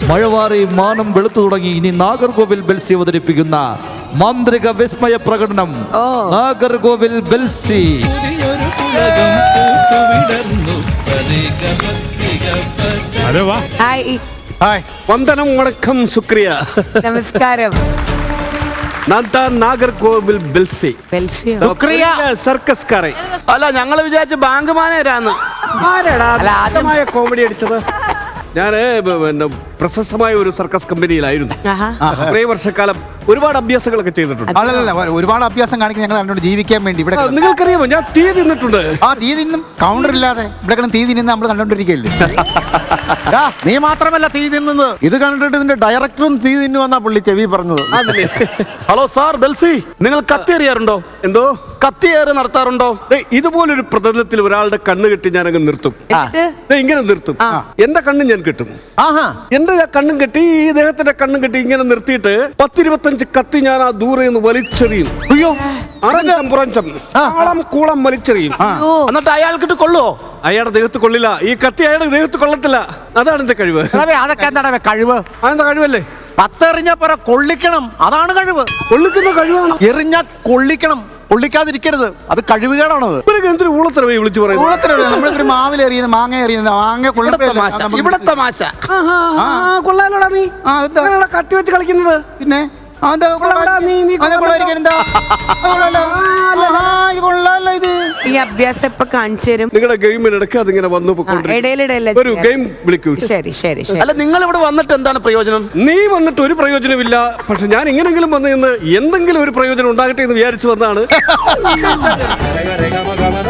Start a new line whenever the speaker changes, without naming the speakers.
മഴവാറി മാനം വെളുത്തു തുടങ്ങി. ഇനി നാഗർകോവിൽ ബെൽസി അവതരിപ്പിക്കുന്ന മാന്ത്രിക വിസ്മയ പ്രകടനം. നാഗർകോവിൽ ബെൽസി.
വന്ദനം, വണക്കം, ശുക്രിയ,
നമസ്കാരം.
നാഗർകോവിൽ ബെൽസി സർക്കസ്കാരെ.
അല്ല, ഞങ്ങള് വിചാരിച്ച ബാങ്ക് മാനേജരാന്ന്.
ആരാടാ ആദ്യമായ കോമഡി അടിച്ചത്? ഞാന് പിന്നെ പ്രശസ്തമായ ഒരു സർക്കസ് കമ്പനിയിലായിരുന്നു. കുറേ വർഷക്കാലം ഒരുപാട് അഭ്യാസങ്ങളൊക്കെ ചെയ്തിട്ടുണ്ട്.
അല്ലല്ല, ഒരുപാട് അഭ്യാസം കാണിക്കുന്ന ഞങ്ങൾ കണ്ടോണ്ട് ജീവിക്കാൻ വേണ്ടി ഇവിടെ.
നിങ്ങൾക്കറിയാമോ, ഞാൻ തീ തിന്നിട്ടുണ്ട്.
ആ തീ തിന്നും കൗണ്ടർ ഇല്ലാതെ ഇവിടെ തീ തിന്നുന്ന നമ്മൾ കണ്ടോണ്ടിരിക്കല്ലേ. നീ മാത്രമല്ല തീ തിന്നുന്നത്, ഇത് കണ്ടിട്ട് ഇതിന്റെ ഡയറക്ടറും തീ തിന്നു വന്നാ പുള്ളി ചെവി പറഞ്ഞത്.
ഹലോ സാർ ബെൽസി, നിങ്ങൾ കത്തി എറിയാറുണ്ടോ?
എന്തോ
കത്തിയേറ് നടത്താറുണ്ടോ?
ഇതുപോലൊരു പ്രതലത്തിൽ ഒരാളുടെ കണ്ണ് കെട്ടി ഞാനങ്ങ് നിർത്തും. ഇങ്ങനെ നിർത്തും. എന്റെ കണ്ണും ഞാൻ കെട്ടും. എന്റെ കണ്ണും കെട്ടി ഈ ദേഹത്തിന്റെ കണ്ണും കെട്ടി ഇങ്ങനെ നിർത്തിയിട്ട് 10-25 കത്തി ഞാൻ ആ ദൂരെ നിന്ന് വലിച്ചെറിയും.
അയ്യോ,
കൂളം വലിച്ചെറിയും.
എന്നിട്ട് അയാൾക്കിട്ട് കൊള്ളുവോ?
അയാളുടെ ദേഹത്ത് കൊള്ളില്ല. ഈ കത്തി അയാളുടെ ദേഹത്ത് കൊള്ളത്തില്ല. അതാണ് എന്റെ കഴിവ്.
അതൊക്കെ എന്താണ് കഴിവ്?
അതെന്താ കഴിവല്ലേ?
പത്തെറിഞ്ഞ പറ കൊള്ളിക്കണം, അതാണ് കഴിവ്.
കൊള്ളിക്കുന്ന കഴിവാണ്.
എറിഞ്ഞ കൊള്ളിക്കണം, കൊള്ളിക്കാതിരിക്കരുത്. അത് കഴിവുകേടാണത്.
എന്തൊരു ഊളത്തരവേ വിളിച്ചു പറയുന്നത്.
നമ്മളൊരു മാവിൽ എറിയുന്നത്, മാങ്ങ എറിയുന്നത്, മാങ്ങ
ഇവിടെ തമാശ.
കൊള്ളാലോടാ നീ കത്തി വെച്ച് കളിക്കുന്നത്.
പിന്നെ
ഈ അഭ്യാസം ഇപ്പൊ കാണിച്ചു തരും.
നിങ്ങളുടെ ഗെയിമിനിടയ്ക്ക് അതിങ്ങനെ വന്നു ഒരു ഗെയിം വിളിക്കൂ.
ശരി ശരി ശരി.
അല്ല, നിങ്ങൾ ഇവിടെ വന്നിട്ട് എന്താണ് പ്രയോജനം?
നീ വന്നിട്ട് ഒരു പ്രയോജനമില്ല. പക്ഷെ ഞാൻ എങ്ങനെങ്കിലും വന്ന് എന്തെങ്കിലും ഒരു പ്രയോജനം ഉണ്ടാകട്ടെ എന്ന് വിചാരിച്ചു വന്നാണ്.